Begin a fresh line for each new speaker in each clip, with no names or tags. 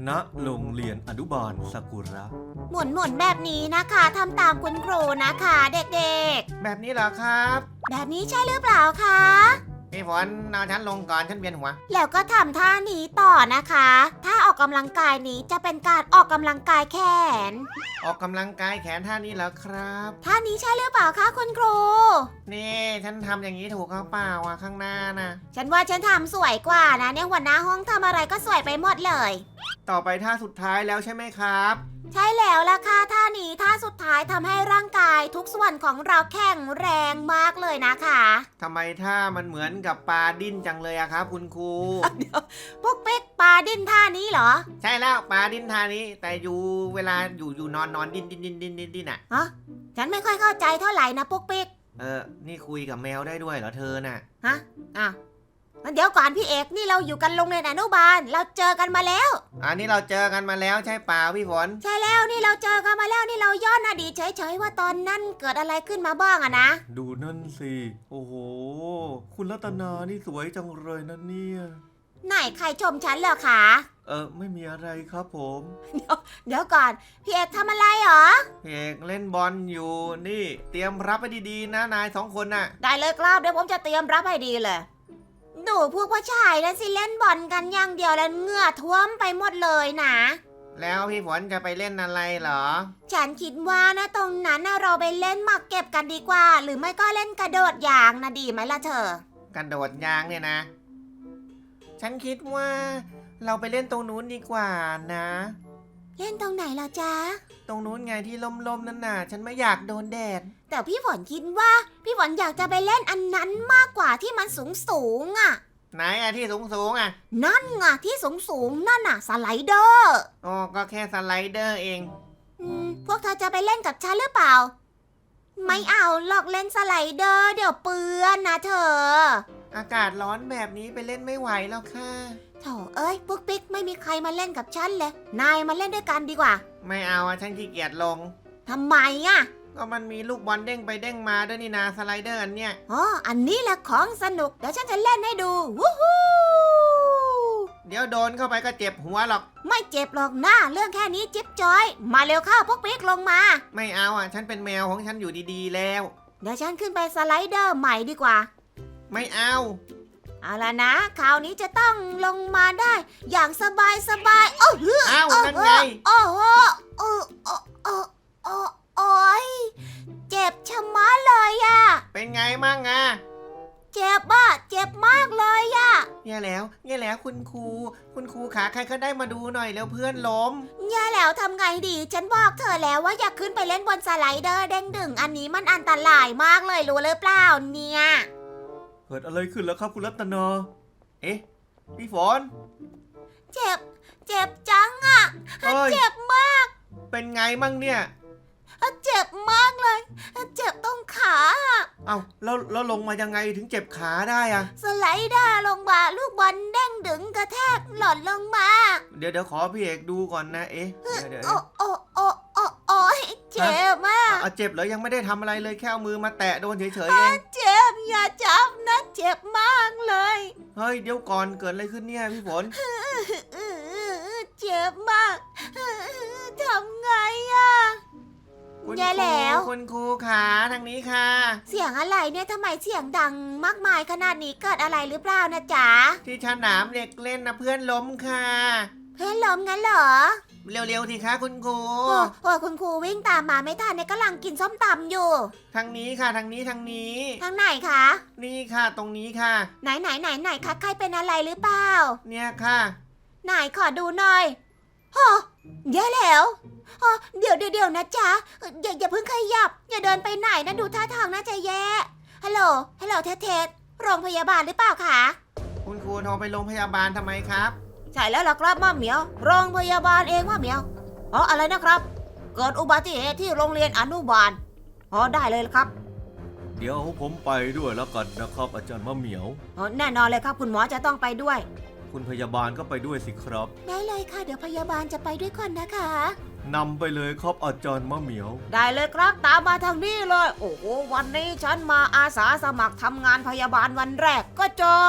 ณโรงเรียนอนุบาลซากุระ
หมุนแบบนี้นะคะทำตามคุณครูนะคะเด็ก
แบบนี้เหรอครับ
ๆแบบนี้ใช่หรือเปล่าคะ
พี่ฝนเอาฉันลงก่อนฉันเวียนหัว
แล้วก็ทำท่านี้ต่อนะคะถ้าออกกำลังกายนี้จะเป็นการออกกำลังกายแขน
ออกกำลังกายแขนท่านี้เหรอครับ
ท่านี้ใช่หรือเปล่าคะคุณครู
นี่ฉันทำอย่างนี้ถูกเขาเปล่าอ่ะข้างหน้านะ
ฉันว่าฉันทำสวยกว่านะเนี่ยหัวหน้าห้องทำอะไรก็สวยไปหมดเลย
ต่อไปท่าสุดท้ายแล้วใช่ไหมครับ
ใช่แล้วล่ะค่ะท่านี้ท่าสุดท้ายทำให้ร่างกายทุกส่วนของเราแข็งแรงมากเลยนะคะ
ทำไมท่ามันเหมือนกับปลาดิ้นจังเลยอะครับคุณครู
พวกเป๊กปลาดิ้นท่านี้เหรอ
ใช่แล้วปลาดิ้นท่านี้ แต่อยู่เวลาอยู่นอนดิ้นดิ้นอ่ะ
ฮะฉันไม่ค่อยเข้าใจเท่าไหร่นะพวกเป๊ก
นี่คุยกับแมวได้ด้วยเหรอเธอน่ะ
ฮะอ้าวงั้นเดี๋ยวก่อนพี่เอกนี่เราอยู่กันโรงเรียนอนุบาลเราเจอกันมาแล้ว
อันนี้เราเจอกันมาแล้วใช่เปล่าพี่ฝน
ใช่แล้วนี่เราเจอกันมาแล้วนี่เราย้อนอดีตเฉยๆว่าตอนนั้นเกิดอะไรขึ้นมาบ้างอะนะ
ดูนั่นสิโอ้โหคุณรัตนานี่สวยจังเลยนะเนี่ย
ไหนใครชมฉันเหรอคะ
ไม่มีอะไรครับผม
เดี๋ยวก่อนพี่เอกทำอะไรเหรอ
พี่เอกเล่นบอลอยู่นี่เตรียมรับไปดีๆนะนาย2 คนน่ะ
ได้เลยครับเดี๋ยวผมจะเตรียมรับให้ดีเลยดูพวกผู้ชายนั่นสิเล่นบอลกันอย่างเดียวแล้วเหงื่อท่วมไปหมดเลยนะ
แล้วพี่ฝนจะไปเล่นอะไรเหรอ
ฉันคิดว่านะตรงนั้นนะเราไปเล่นหมากเก็บกันดีกว่า หรือไม่ก็เล่นกระโดดยางนะดีไหมล่ะเธอ
กระโดดยางเนี่ยนะ ฉันคิดว่าเราไปเล่นตรงนู้นดีกว่านะ
เล่นตรงไหนล่ะจ๊ะ
ตรงนู้นไงที่ล่มๆนั่นน่ะ ฉันไม่อยากโดนแดด
แต่พี่ฝนคิดว่าพี่ฝนอยากจะไปเล่นอันนั้นมากกว่าที่มันสูงอ่ะ
ไหนอะที่สูงๆอะ
นั่นไงที่สูงนั่นน่ะสไลเดอร์
อ๋อก็แค่สไลเดอร์เอง
พวกเธอจะไปเล่นกับฉันหรือเปล่า ไม่เอาหรอกเล่นสไลเดอร์เดี๋ยวเปื้อนนะเธอ
อากาศร้อนแบบนี้ไปเล่นไม่ไหวแล้วค่ะ
โถเอ้ยปุ๊กปิ๊กไม่มีใครมาเล่นกับฉันเลยนายมาเล่นด้วยกันดีกว่า
ไม่เอาอะฉันขี้เกียจลง
ทำไมอ่ะ
ก็มันมีลูกบอลเด้งไปเด้งมาด้วยนี่นาสไลเดอร์อันเนี้ย
อ๋ออันนี้แหละของสนุกเดี๋ยวฉันจะเล่นให้ดูวู้ฮู้
เดี๋ยวโดนเข้าไปก็เจ็บหัวหรอก
ไม่เจ็บหรอกนะเรื่องแค่นี้จิ๊บจอย มาเร็วเข้าปุ๊กปิ๊กลงมา
ไม่เอาอ่ะ ฉันเป็นแมวของฉันอยู่ดีๆแล้ว
เดี๋ยวฉันขึ้นไปสไลเดอร์ใหม่ดีกว่า
ไม่เอา
เอาล่ะนะคราวนี้จะต้องลงมาได้ อย่างสบายโอ้โห
เอานั่นไง
โอ้โหโอ้โอ้โอ้โอ้โอ้ยเจ็บชะมัดเลยอะ
เป็นไงมั่งอ่ะ
เจ็บอะเจ็บมากเลยอะ
แย่แล้วคุณครูขาใครก็ได้มาดูหน่อยแล้วเพื่อนล้ม
แย่แล้วทำไงดี ฉันบอกเธอแล้วว่าอย่าขึ้นไปเล่นบนสไลเดอร์เด้งดึงอันนี้มันอันตรายมากเลยรู้หรือเปล่าเนี่ย
เกิดอะไรขึ้นแล้วครับคุณรัตนา
เอ๊ะพี่ฝน
เจ็บจังอะ
เอ้ย
เจ็บมาก
เป็นไงมั่งเนี่ย
เจ็บมากเลย เจ็บตรงขาอะ
เอาแล้วลงมายังไงถึงเจ็บขาได้อะ
สไลเดอร์ลงมาลูกบอลเด้งดึงกระแทกหล่นลงมา
เดี๋ยวขอพี่เอกดูก่อนนะเอ๊ะเดี๋ยว
โอ้ยเจ็บมาก
เจ็บเหรอยังไม่ได้ทำอะไรเลยแค่เอามือมาแตะโดนเฉยๆเอง
เจ็บอย่าจับนะเจ็บมากเลย
เฮ้ยเดี๋ยวก่อนเกิดอะไรขึ้นเนี่ยพี่ฝน
เจ็บมากทำไงอะ
คุณ
แย่แล้ว
คุณครูขาทางนี้ค่ะ
เสียงอะไรเนี่ยทำไมเสียงดังมากมายขนาดนี้เกิดอะไรหรือเปล่านะจ๊ะ
ที่สนามเด็กเล่นนะเพื่อนล้มค่ะ
เพื่อนล้มงั้นเหรอ
เร็วๆทีคะคุณครู
โอ้คุณครูวิ่งตามมาไม่ทันเนี่ยกำลังกินส้มตำอยู่
ทางนี้ค่ะทางนี้
ทางไหนคะ
นี่ค่ะตรงนี้ค่ะ
ไหนคะใครเป็นอะไรหรือเปล่า
เนี่ยค่ะ
ไหนขอดูหน่อยโอ้แย่แล้วเดี๋ยวนะจ๊ะอย่าเพิ่งขยับ อย่าเดินไปไหนนะดูท่าทางน่าจะแย่ฮัลโหลเทสโรงพยาบาลหรือเปล่าคะ
คุณครูโทรไปโรงพยาบาลทำไมครับ
ใช่แล้วล่ะครับม่าเหมียวโรงพยาบาลเองม่าเหมียวอะไรนะครับ เกิดอุบัติเหตุที่โรงเรียนอนุบาลได้เลยครับ
เดี๋ยวผมไปด้วยแล้วกันนะครับอาจารย์มะเหมียว
แน่นอนเลยครับคุณหมอจะต้องไปด้วย
คุณพยาบาลก็ไปด้วยสิครับ
ได้เลยค่ะเดี๋ยวพยาบาลจะไปด้วยคนนะคะ
นำไปเลยครับอาจารย์มะเหมียว
ได้เลยครับตามมาทางนี้เลยโอ้โหวันนี้ฉันมาอาสาสมัครทำงานพยาบาลวันแรกก็เจอ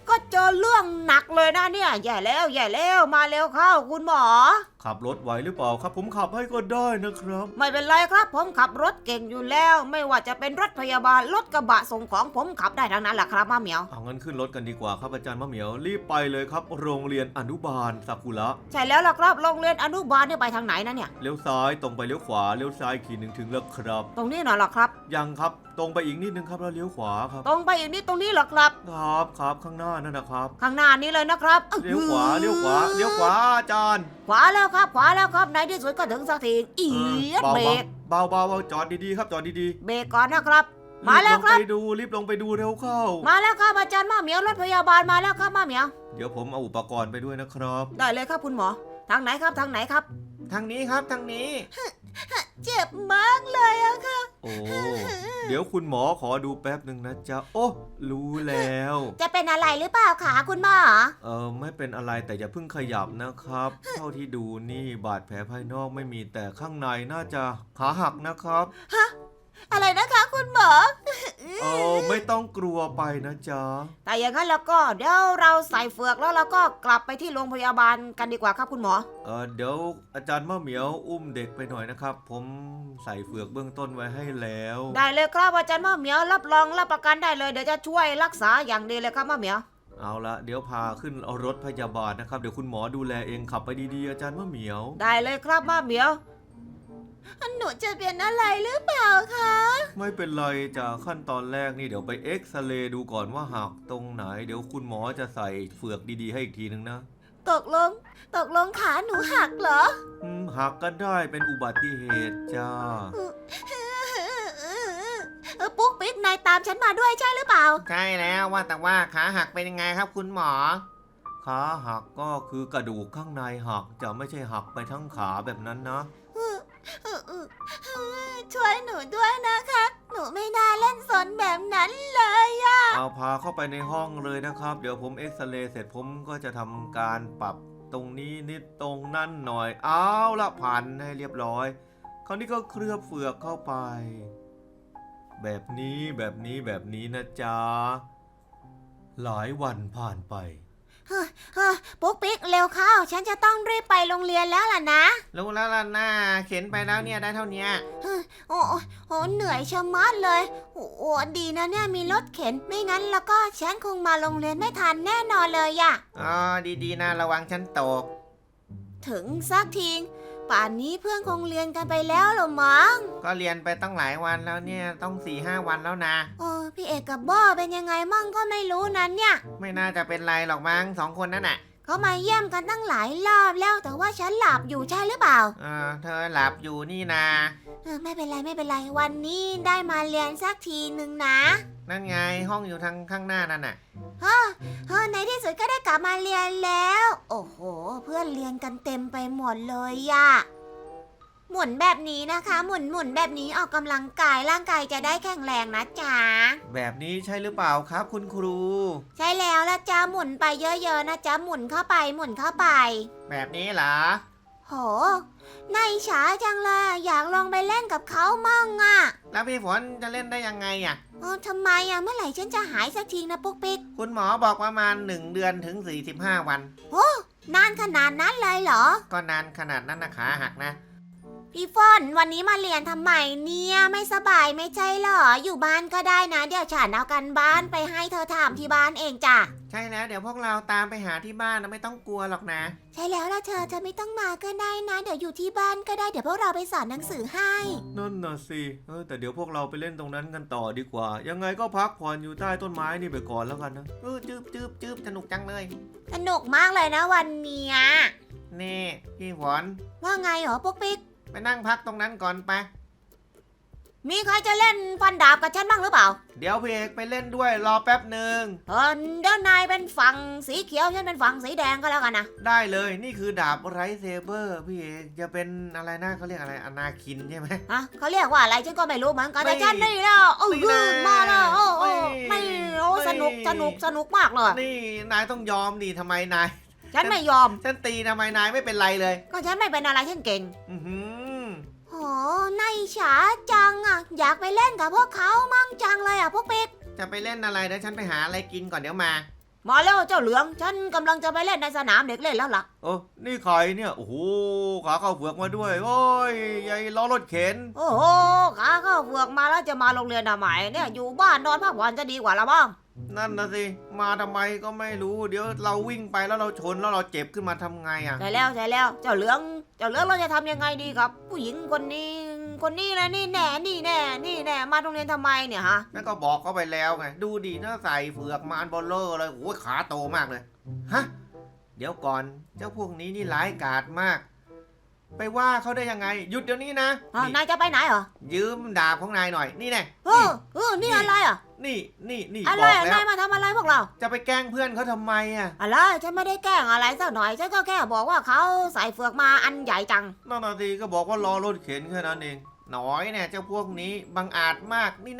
ก็เจอเรื่องหนักเลยนะเนี่ยแย่แล้วมาเร็วเข้าคุณหมอ
ขับรถไหวหรือเปล่าครับ ผมขับให้ก็ได้นะครับ
ไม่เป็นไรครับผมขับรถเก่งอยู่แล้ว ไม่ว่าจะเป็นรถพยาบาลรถกระบะส่งของผมขับได้ทั้งนั้นแหละครับมาเหมียว
เอางั้นขึ้นรถกันดีกว่าครับอาจารย์มะเหมียวรีบไปเลยครับ โรงเรียนอนุบาลซากุระ
ใช่แล้วล่ะครับโรงเรียนอนุบาลเนี่ยไปทางไหนนะเนี่ย
เลี้ยวซ้ายตรงไปเลี้ยวขวาเลี้ยวซ้ายขีดหนึ่งถึงแล้วครับ
ตรงนี้น่ะเหรอครับ
ยังครับตรงไปอีกนิดนึงครับแล้วเลี้ยวขวาครับ
ตรงไปอีกนิดตรงนี้เหรอครับ
ครับข้างหน้านั่นนะครับ
ข้างหน้านี้เลยนะครับ
เลี้ยวขวาเลี้ยวขวาเลี้ยวขวาอาจารย์
ขวาแล้วครับในที่สุดก็ถึงสักทีอีด
เบา
เบรก
เบาเบาจอดดีๆครับจอดดี
เบรกก่อนนะครับ
ๆ
มาแล้วครับ
รีบลงไปดูเร็วเข้า
มาแล้วครับอาจารย์มาเหมียวรถพยาบาลมาแล้วครับมาเหมียว
เดี๋ยวผมเอาอุปกรณ์ไปด้วยนะครับ
ได้เลยครับคุณหมอทางไหนครับ
ทางนี้ครับทางนี้
เจ็บมากเลยอะค่ะ
โอ้เดี๋ยวคุณหมอขอดูแป๊บหนึ่งนะจ๊ะโอ้รู้แล้ว
จะเป็นอะไรหรือเปล่าคะคุณหมอ
ไม่เป็นอะไรแต่อย่าเพิ่งขยับนะครับ เท่าที่ดูนี่บาดแผลภายนอกไม่มีแต่ข้างในน่าจะขาหักนะครับ
อะไรนะคะคุณหมอ
ไม่ต้องกลัวไปนะจ๊ะ
แต่อย่างนั้นแล้วก็เดี๋ยวเราใส่เฟือกแล้วเราก็กลับไปที่โรงพยาบาลกันดีกว่าครับคุณหมอ
เดี๋ยวอาจารย์มะเหมียวอุ้มเด็กไปหน่อยนะครับ ผมใส่เฟือกเบื้องต้นไว้ให้แล้ว
ได้เลยครับอาจารย์มะเหมียวรับรองรับประกันได้เลยเดี๋ยวจะช่วยรักษาอย่างดีเลยครับมะเหมียว
เอาละเดี๋ยวพาขึ้นเอารถพยาบาลนะครับเดี๋ยวคุณหมอดูแลเองขับไปดีๆอาจารย์มะเหมียว
ได้เลยครับมะเหมียวหนูจะเป็นอะไรหรือเปล่าคะ
ไม่เป็นไรจากขั้นตอนแรกนี่เดี๋ยวไปเอ็กซเรย์ดูก่อนว่าหักตรงไหน เดี๋ยวคุณหมอจะใส่เฟือกดีๆให้อีกทีนึงนะ
ตกลงขาหนูหักเหรอ
หักก็ได้เป็นอุบัติเหตุจ้า
ปุ๊กปิ๊กนายตามฉันมาด้วยใช่หรือเปล่า
ใช่แล้วว่าแต่ว่าขาหักเป็นยังไงครับคุณหมอ
ขาหักก็คือกระดูกข้างในหักจะไม่ใช่หักไปทั้งขาแบบนั้นนะ
ช่วยหนูด้วยนะคะ หนูไม่น่าเล่นสนแบบนั้นเลยอะ
เอาพาเข้าไปในห้องเลยนะครับ เดี๋ยวผมเอ็กซเรย์เสร็จผมก็จะทำการปรับตรงนี้นิดตรงนั่นหน่อยเอาละพันให้เรียบร้อย คราวนี้ก็เคลือบเฟือกเข้าไป แบบนี้นะจ๊ะหลายวันผ่านไป
ปุ๊กปิ๊กเร็วเข้า ฉันจะต้องรีบไปโรงเรียนแล้วล่ะนะ
รู้แล้วล่ะหน้าเข็นไปแล้วเนี่ยได้เท่านี้
โอ้เหนื่อยชะมัดเลยโอ้ดีนะเนี่ยมีรถเข็นไม่งั้นแล้วก็ฉันคงมาโรงเรียนไม่ทันแน่นอนเลยอะ
อ๋อดีๆนะระวังฉันตก
ถึงสักทีป่านนี้เพื่อนคงเรียนกันไปแล้วหรอมั้ง
ก็เรียนไปตั้งหลายวันแล้วเนี่ยต้อง4-5 วันแล้วนะ
พี่เอกกับบ้อเป็นยังไงมั่งก็ไม่รู้นั้นเนี่ย
ไม่น่าจะเป็นไรหรอกมั้ง2 คนนั่นน่ะ
เขามาเยี่ยมกันตั้งหลายรอบแล้วแต่ว่าฉันหลับอยู่ใช่หรือเปล่า
เธอหลับอยู่นี่นะ
ไม่เป็นไรวันนี้ได้มาเรียนสักทีหนึ่งนะ
นั่นไงห้องอยู่ทางข้างหน้านั่นน่ะ
ในที่สุดก็ได้กลับมาเรียนแล้ว โอ้โห เพื่อนเรียนกันเต็มไปหมดเลยอะหมุนแบบนี้นะคะหมุนแบบนี้ออกกำลังกายร่างกายจะได้แข็งแรงนะจ๊ะ
แบบนี้ใช่หรือเปล่าครับคุณครู
ใช่แล้วละจ๊ะหมุนไปเยอะๆนะจ๊ะหมุนเข้าไป
แบบนี้เหรอ
โหนายฉาจังเลยอยากลองไปเล่นกับเขามั่งอะ
แล้วพี่ฝนจะเล่นได้ยังไงอ่ะ
ทำไมอะเมื่อไหร่ฉันจะหายสักทีนะปุ๊กปิ๊ก
คุณหมอบอกประมาณ1 เดือนถึง45 วัน
นานขนาดนั้นเลยเหรอ
ก็นานขนาดนั้นนะขาหักนะ
พี่ฟอนวันนี้มาเรียนทำไมเนี่ยไม่สบายไม่ใช่เหรออยู่บ้านก็ได้นะเดี๋ยวฉันเอากันบ้านไปให้เธอถามที่บ้านเองจ้ะ
ใช่แล้วเดี๋ยวพวกเราตามไปหาที่บ้านนะไม่ต้องกลัวหรอกนะ
ใช่แล้วล่ะเธอไม่ต้องมาก็ได้นะเดี๋ยวอยู่ที่บ้านก็ได้เดี๋ยวพวกเราไปสอนหนังสือให้
นั่นน่ะสิแต่เดี๋ยวพวกเราไปเล่นตรงนั้นกันต่อดีกว่า ยังไงก็พักผ่อนอยู่ใต้ต้นไม้นี่ไปก่อนแล้วกันนะ
จืบสนุกจังเลย
สนุกมากเลยนะวันเนี้ย
นี่พี่ฝน
ว่าไงเหรอปุ๊กปิ๊ก
ไปนั่งพักตรงนั้นก่อนไป
มีใครจะเล่นฟันดาบกับฉันบ้างหรือเปล่า
เดี๋ยวพี่เอกไปเล่นด้วยรอแป๊บหนึ่ง
เดี๋ยวนายเป็นฝั่งสีเขียวฉันเป็นฝั่งสีแดงก็แล้วกันนะ
ได้เลยนี่คือดาบไรเซเบอร์พี่เอกจะเป็นอะไรนะเขาเรียกอะไรอนาคินใช่ไหม
เขาเรียกว่าอะไรฉันก็ไม่รู้เหมือนกัน
ไม่
แต่ฉันนี่แล้ว
ไม่นะ
มาแล้ว
ไม่
ไม่สนุกมากเลย
นี่นายต้องยอมดิทำไมนาย
ฉันไม่ยอม
ฉันตีทำไมนายไม่เป็นไรเลย
ก็ฉันไม่เป็นอะไรฉันเก่ง
อือหือ
โหนายฉาจังอ่ะอยากไปเล่นกับพวกเขามั่งจังเลยอ่ะพวกปิ๊ก
จะไปเล่นอะไรเดี๋ยวฉันไปหาอะไรกินก่อนเดี๋ยวมา
มาแล้วเจ้าเหลือง ฉันกำลังจะไปเล่นในสนามเด็กเล่นแล้วล่ะ
นี่ใครเนี่ย โอ้โห ขาเข้าเฟือกมาด้วย โอ้ยยายล้อรถเข็น
โอ้โหขาเข้าเฟือกมาแล้วจะมาโรงเรียนทำไมเนี่ยอยู่บ้านนอนพักผ่อนจะดีกว่าละบ้าง
นั่นนะสิ มาทำไมก็ไม่รู้ เดี๋ยวเราวิ่งไปแล้วเราชนแล้วเราเจ็บขึ้นมาทำไงอ่ะ
ใช่แล้วเจ้าเหลืองเราจะทำยังไงดีครับ ผู้หญิงคนนี้นะนี่แน่มาโรงเรียนทำไมเนี่ยฮะ
นั่นก็บอกเขาไปแล้วไง ดูดีนะใส่เฟือกมาอันเบลเลอร์เลยโอ้ยขาโตมากเลย ฮะ เดี๋ยวก่อน เจ้าพวกนี้นี่ร้ายกาจมาก ไปว่าเขาได้ยังไง หยุดเดี๋ยวนี้นะ
นายจะไปไหนเหรอ
ยืมดาบของนายหน่อย นี่แน่
นี่อะไรอ่ะ
นี่
อะไร
บอก
อ่ะ
แล้
นายว มาทำอะไรพวกเรา
จะไปแกล้งเพื่อนเขาทำไมอ่ะ
อะไรฉันไม่ได้แกล้งอะไรสักหน่อยฉันก็แค่บอกว่าเขาใส่เฟือกมาอันใหญ่จัง
นั่นนาทีก็บอกว่ารอรถเข็นแค่นั้นเอง หน่อยเนี่ยเจ้าพวกนี้บังอาจมาก นี่แน่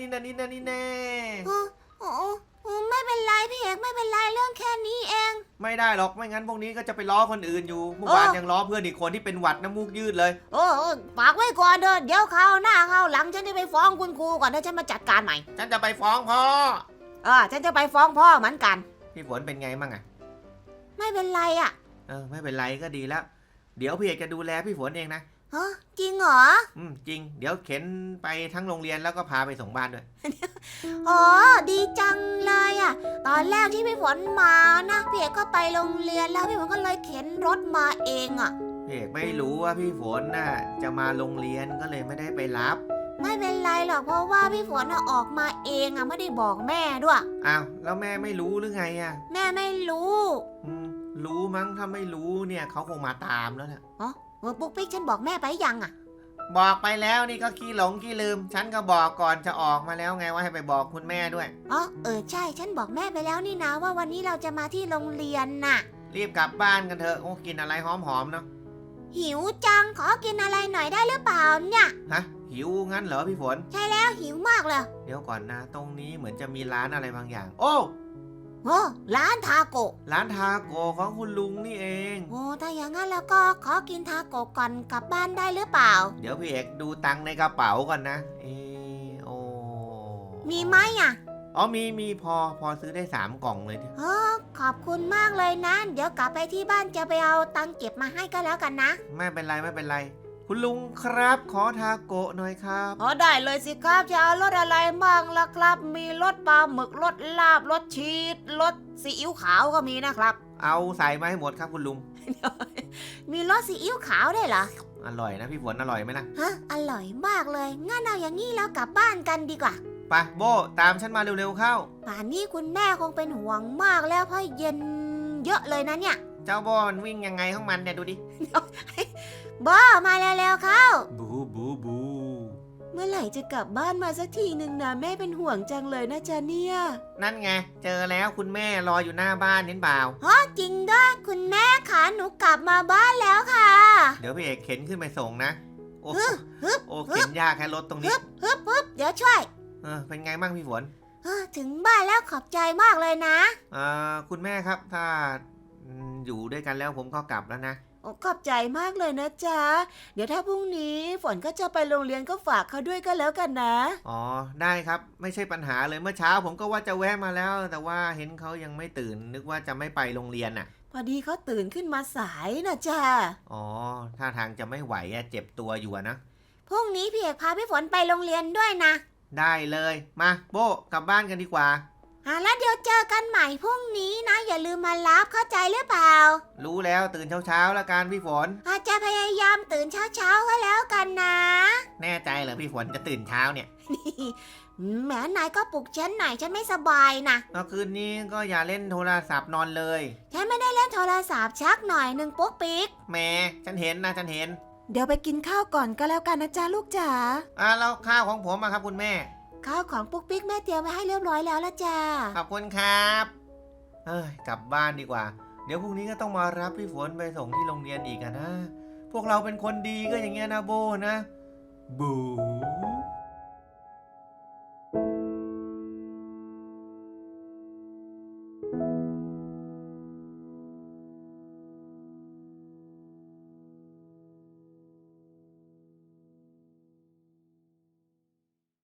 ไม่เป็นไรพี่เอกไม่เป็นไรเรื่องแค่นี้เอง
ไม่ได้หรอก ไม่งั้นพวกนี้ก็จะไปล้อคนอื่นอยู่ เมื่อวานยังล้อเพื่อนอีกคนที่เป็นหวัดน้ำมูกยืดเลย
ฝากไว้ก่อนเดินเดี๋ยวคราวหน้าคราวหลังฉันจะไปฟ้องคุณครูก่อนถ้าฉันมาจัดการใหม่
ฉันจะไปฟ้องพ่อ
ฉันจะไปฟ้องพ่อเหมือนกัน
พี่ฝนเป็นไงมั่งอ่ะ
ไม่เป็นไรอ่ะ
ไม่เป็นไรก็ดีแล้ว เดี๋ยวพี่เอกจะดูแลพี่ฝนเองนะ
จริงเหรอ
จริง เดี๋ยวเข็นไปทั้งโรงเรียนแล้วก็พาไปส่งบ้านด้วย
ดีจังเลยอ่ะตอนแรกที่พี่ฝนมานะพี่เอกก็ไปโรงเรียนแล้วพี่ฝนก็เลยเข็นรถมาเองอ่ะ
พี่เอกไม่รู้ว่าพี่ฝนน่ะจะมาโรงเรียนก็เลยไม่ได้ไปรับ
ไม่เป็นไรหรอกเพราะว่าพี่ฝนออกมาเองอ่ะไม่ได้บอกแม่ด้วย
อ้าวแล้วแม่ไม่รู้หรือไงอ่ะ
แม่ไม่รู้
รู้มั้งถ้าไม่รู้เนี่ยเขาคงมาตามแล้วแหละ
ปุ๊กปิ๊กฉันบอกแม่ไปยังอ่ะ
บอกไปแล้วนี่ก็ขี้หลงขี้ลืม ฉันก็บอกก่อนจะออกมาแล้วไงว่าให้ไปบอกคุณแม่ด้วย
ใช่ฉันบอกแม่ไปแล้วนี่นะว่าวันนี้เราจะมาที่โรงเรียนน่ะ
รีบกลับบ้านกันเถอะโอ้กินอะไรหอมๆเนาะ
หิวจังขอกินอะไรหน่อยได้หรือเปล่าเนี่ย
ฮะหิวงั้นเหรอพี่ฝน
ใช่แล้วหิวมากเลย
เดี๋ยวก่อนนะตรงนี้เหมือนจะมีร้านอะไรบางอย่าง โอ้
ร้านทาโกะ
ร้านทาโกของคุณลุงนี่เอง
ถ้าอย่างนั้นแล้วก็ขอกินทาโกะก่อนกลับบ้านได้หรือเปล่า
เดี๋ยวพี่เอกดูตังค์ในกระเป๋าก่อนนะโอ้
มีไหมอ่ะ
มีพอซื้อได้3กล่องเลยที
ขอบคุณมากเลยนะ เดี๋ยวกลับไปที่บ้านจะไปเอาตังค์เก็บมาให้ก็แล้วกันนะ
ไม่เป็นไรคุณลุงครับขอทาโกะหน่อยครับ
ได้เลยสิครับจะเอารสอะไรบ้างล่ะครับ มีรสปลาหมึกรสลาบรสชีสรสซีอิ๊วขาวก็มีนะครับ
เอาใส่มาให้หมดครับคุณลุง
มีรสซีอิ๊วขาวได้วยเหรอ
อร่อยนะพี่ฝนอร่อยไหมนะ
อร่อยมากเลยงั้นเอาอย่างนี้แล้วกลับบ้านกันดีกว่า
ไปโบตามฉันมาเร็วๆเข้า
ป่านนี้คุณแม่คงเป็นห่วงมากแล้วเพราะเย็นเยอะเลยนะเนี่ย
เจ้าโบมันวิ่งยังไงของมันเนี่ยดูดิ
บ้ามาแล้วๆเข้า
บู
เมื่อไหร่จะกลับบ้านมาสักทีหนึ่งนะแม่เป็นห่วงจังเลยนะจ๊ะเนี่ย
นั่นไงเจอแล้วคุณแม่รออยู่หน้าบ้านเห็นเปล่า
จริงด้วยคุณแม่คะหนูกลับมาบ้านแล้วค่ะ
เดี๋ยวพี่เอกเข็นขึ้นไปส่งนะโอ้
ฮึบ
โอ้เข็นยากแค่รถตรงนี้
ฮึบเดี๋ยวช่วย
เป็นไงบ้างพี่ฝน
ถึงบ้านแล้วขอบใจมากเลยนะ
คุณแม่ครับถ้าอยู่ด้วยกันแล้วผมก็กลับแล้วนะ
ขอบใจมากเลยนะจ๊ะเดี๋ยวถ้าพรุ่งนี้ฝนก็จะไปโรงเรียนก็ฝากเขาด้วยก็แล้วกันนะ
ได้ครับไม่ใช่ปัญหาเลยเมื่อเช้าผมก็ว่าจะแวะมาแล้ว แต่ว่าเห็นเขายังไม่ตื่นนึกว่าจะไม่ไปโรงเรียนน่ะ
พอดีเขาตื่นขึ้นมาสายนะจ๊ะ
ท่าทางจะไม่ไหวเจ็บตัวอยู่นะ
พรุ่งนี้พี่เอกพาพี่ฝนไปโรงเรียนด้วยนะ
ได้เลยมาโบกลับบ้านกันดีกว่า
แล้วเดี๋ยวเจอกันใหม่พรุ่งนี้นะอย่าลืมมารับเข้าใจหรือเปล่า
รู้แล้วตื่นเช้าๆแล้วกันพี่ฝน
อาจจะพยายามตื่นเช้าๆก็แล้วกันนะ
แน่ใจเหรอพี่ฝนจะตื่นเช้าเนี่ย
แหมนายก็ปลุกฉันหน่อยฉันไม่สบายนะ
คืนนี้ก็อย่าเล่นโทรศัพท์นอนเลย
ฉันไม่ได้เล่นโทรศัพท์ชักหน่อยหนึ่งปุ๊กปิ๊ก
แม่ฉันเห็นนะฉันเห็น
เดี๋ยวไปกินข้าวก่อนก็แล้วกันนะจ๊ะลูกจ๋า
แล้วข้าวของผมอะครับคุณแม่
ข้าวของปุ๊กปิ๊กแม่เตรียมไว้ให้เรียบร้อยแล้วละจ้า
ขอบคุณครับกลับบ้านดีกว่าเดี๋ยวพรุ่งนี้ก็ต้องมารับพี่ฝนไปส่งที่โรงเรียนอีกนะพวกเราเป็นคนดีก็อย่างเงี้ยนะโบนะบู